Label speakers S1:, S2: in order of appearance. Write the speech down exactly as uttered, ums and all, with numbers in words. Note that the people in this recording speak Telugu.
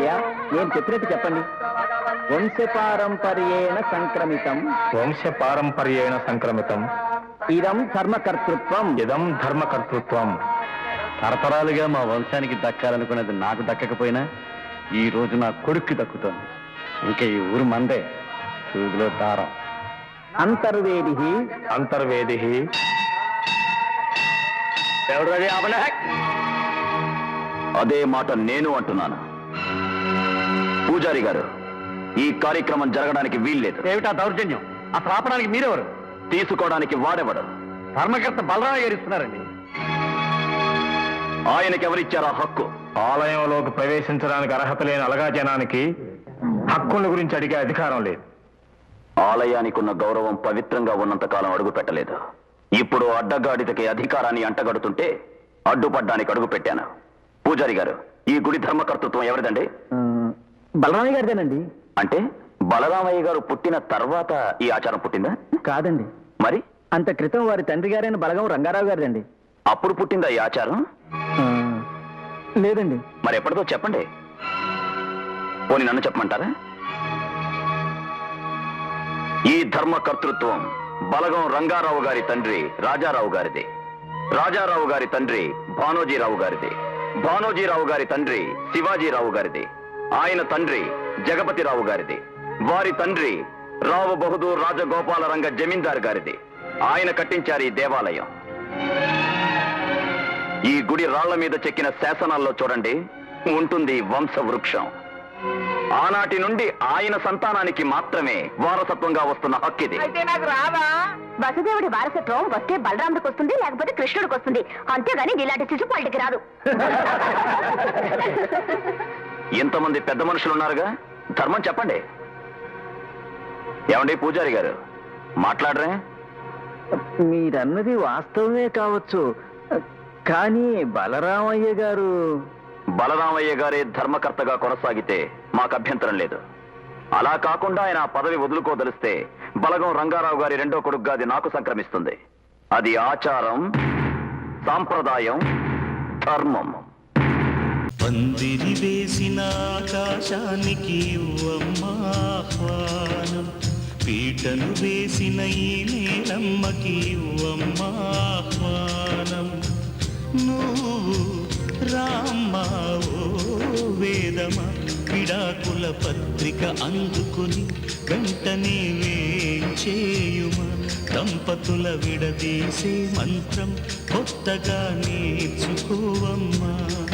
S1: అయ్యా నేను చెప్పినట్టు చెప్పండి. వంశపారంపర్యేణ సంక్రమితం
S2: వంశపారంపర్యేణ సంక్రమితం
S1: ఇదం ధర్మకర్తృత్వం
S2: ఇదం ధర్మకర్తృత్వం.
S1: తరతరాలుగా మా వంశానికి దక్కాలనుకున్నది నాకు దక్కకపోయినా ఈ రోజు నా కొడుక్కి దక్కుతోంది. ఇంకా ఈ ఊరు మందే. సూదిలో దారం. అంతర్వేది
S2: అంతర్వేది
S3: అదే మాట నేను అంటున్నాను. పూజారి గారు, ఈ కార్యక్రమం జరగడానికి వీల్లేదు.
S1: ఏమిటా దౌర్జన్యం? అసలు ఆపడానికి మీరెవరు?
S3: తీసుకోవడానికి వాడెవడు?
S1: ధర్మకర్త బలరామ గారు ఇస్తున్నారండి.
S3: ఆయనకెవరిచ్చారా హక్కు?
S2: ఆలయంలోకి ప్రవేశించడానికి అర్హత లేని అలగా జనానికి హక్కుల గురించి అడిగే అధికారం లేదు.
S3: ఆలయానికి ఉన్న గౌరవం పవిత్రంగా ఉన్నంత కాలం అడుగు పెట్టలేదు. ఇప్పుడు అడ్డగాడిదకి అధికారాన్ని అంటగడుతుంటే అడ్డుపడ్డానికి అడుగు పెట్టాను. పూజారి గారు, ఈ గుడి ధర్మకర్తృత్వం ఎవరిదండి?
S1: బలరామయ్య గారిదేనండి.
S3: అంటే బలరామయ్య గారు పుట్టిన తర్వాత ఈ ఆచారం పుట్టిందా?
S1: కాదండి,
S3: మరి
S1: అంత క్రితం వారి తండ్రి గారైన బలగం రంగారావు గారిదండి.
S3: అప్పుడు పుట్టిందా ఈ ఆచారం?
S1: లేదండి.
S3: మరి ఎప్పటిదో చెప్పండి. పోనీ నన్ను చెప్పమంటారా? ఈ ధర్మకర్తృత్వం బలగం రంగారావు గారి తండ్రి రాజారావు గారిది. రాజారావు గారి తండ్రి భానోజీరావు గారిది. భానోజీరావు గారి తండ్రి శివాజీరావు గారిది. ఆయన తండ్రి జగపతిరావు గారిది. వారి తండ్రి రావు బహదూర్ రాజగోపాలరంగ జమీందార్ గారిది. ఆయన కట్టించారు ఈ దేవాలయం. ఈ గుడి రాళ్ల మీద చెక్కిన శాసనాల్లో చూడండి, ఉంటుంది వంశ వృక్షం. ఆనాటి నుండి ఆయన సంతానానికి మాత్రమే వారసత్వంగా వస్తున్న హక్కిది.
S4: అయితే నాకు రావా? వసుదేవుడి వారసత్వం వస్తే బలరాముడికి వస్తుంది, లేకపోతే కృష్ణుడికి వస్తుంది. అంతేగాని ఇలాంటి చిచుపాళ్ళకి రాదు.
S3: ఇంతమంది పెద్ద మనుషులు ఉన్నారుగా, ధర్మం చెప్పండి. ఏమండి పూజారి గారు, మాట్లాడరే?
S1: మీరన్నది వాస్తవమే కావచ్చు, కానీ బలరామయ్య గారు
S3: బలరామయ్య గారే ధర్మకర్తగా కొనసాగితే మాకు అభ్యంతరం లేదు. అలా కాకుండా ఆయన ఆ పదవి వదులుకోదలిస్తే బలగం రంగారావు గారి రెండో కొడుకుగా అది నాకు సంక్రమిస్తుంది. అది ఆచారం, సాంప్రదాయం, ధర్మం.
S5: పందిరి వేసిన ఆకాశానికి ఆహ్వానం, పీటను వేసిన ఈ నేలమ్మకి ఆహ్వానం. నువ్వు రామ్మా ఓ వేదమా, విడాకుల పత్రిక అందుకుని వెంటనే వేంచేయుమా. దంపతుల విడదీసే మంత్రం కొత్తగా నేర్చుకోవమ్మా.